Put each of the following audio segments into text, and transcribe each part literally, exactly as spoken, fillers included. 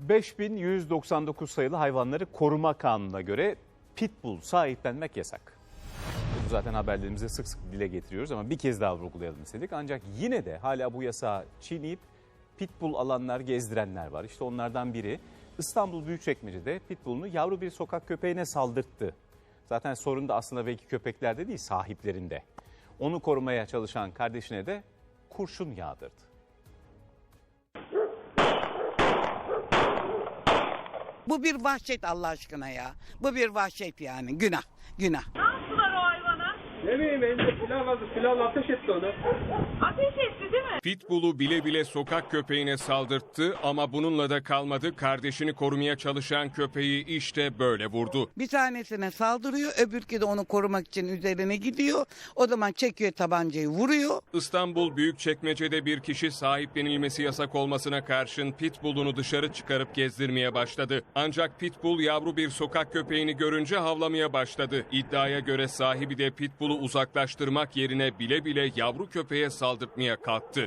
beş bin yüz doksan dokuz sayılı hayvanları koruma kanununa göre pitbull sahiplenmek yasak. Bunu zaten haberlerimizde sık sık dile getiriyoruz ama bir kez daha vurgulayalım istedik. Ancak yine de hala bu yasağı çiğneyip pitbull alanlar, gezdirenler var. İşte onlardan biri İstanbul Büyükçekmece'de pitbullunu yavru bir sokak köpeğine saldırttı. Zaten sorun da aslında belki köpeklerde değil, sahiplerinde. Onu korumaya çalışan kardeşine de kurşun yağdırdı. Bu bir vahşet Allah aşkına ya. Bu bir vahşet yani. Günah. Günah. Ne yaptılar o hayvana? Ne bileyim elinde silah vardı. Silahla ateş etti onu. Ateş etti değil mi? Pitbull'u bile bile sokak köpeğine saldırttı ama bununla da kalmadı. Kardeşini korumaya çalışan köpeği işte böyle vurdu. Bir tanesine saldırıyor. Öbürkü de onu korumak için üzerine gidiyor. O zaman çekiyor tabancayı, vuruyor. İstanbul Büyükçekmece'de bir kişi sahiplenilmesi yasak olmasına karşın Pitbull'unu dışarı çıkarıp gezdirmeye başladı. Ancak Pitbull yavru bir sokak köpeğini görünce havlamaya başladı. İddiaya göre sahibi de Pitbull'u uzaklaştırmak yerine bile bile yavru köpeğe saldırtmaya kalktı.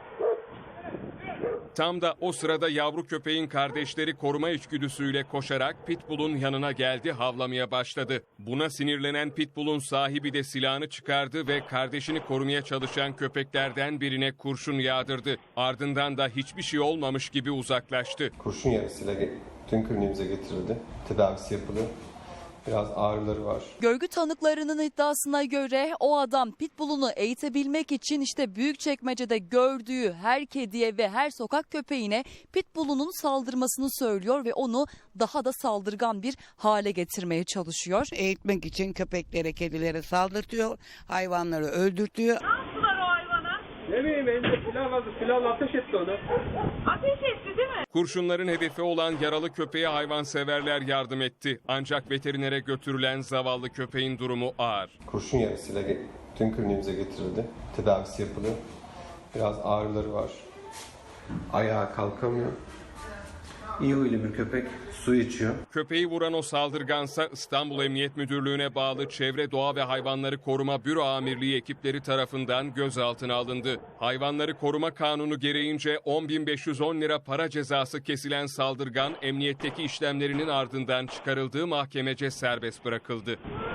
Tam da o sırada yavru köpeğin kardeşleri koruma içgüdüsüyle koşarak Pitbull'un yanına geldi, havlamaya başladı. Buna sinirlenen Pitbull'un sahibi de silahını çıkardı ve kardeşini korumaya çalışan köpeklerden birine kurşun yağdırdı. Ardından da hiçbir şey olmamış gibi uzaklaştı. Kurşun yarasıyla tüm kliniğimize getirildi. Tedavisi yapılıyor. Biraz ağrıları var. Görgü tanıklarının iddiasına göre o adam pitbullunu eğitebilmek için işte Büyükçekmece'de gördüğü her kediye ve her sokak köpeğine pitbullunun saldırmasını söylüyor ve onu daha da saldırgan bir hale getirmeye çalışıyor. Eğitmek için köpeklere, kedilere saldırtıyor. Hayvanları öldürtüyor. Ne yaptılar o hayvana? Ne bileyim elinde silah vardı. Silahla ateş etti onu. Ateş etti değil mi? Kurşunların hedefi olan yaralı köpeğe hayvanseverler yardım etti. Ancak veterinere götürülen zavallı köpeğin durumu ağır. Kurşun yarasıyla tüm kliniğimize getirildi. Tedavisi yapılıyor. Biraz ağrıları var. Ayağa kalkamıyor. İyi huylu bir köpek. Su içiyor. Köpeği vuran o saldırgansa İstanbul Emniyet Müdürlüğü'ne bağlı Çevre Doğa ve Hayvanları Koruma Büro Amirliği ekipleri tarafından gözaltına alındı. Hayvanları koruma kanunu gereğince on bin beş yüz on lira para cezası kesilen saldırgan emniyetteki işlemlerinin ardından çıkarıldığı mahkemece serbest bırakıldı.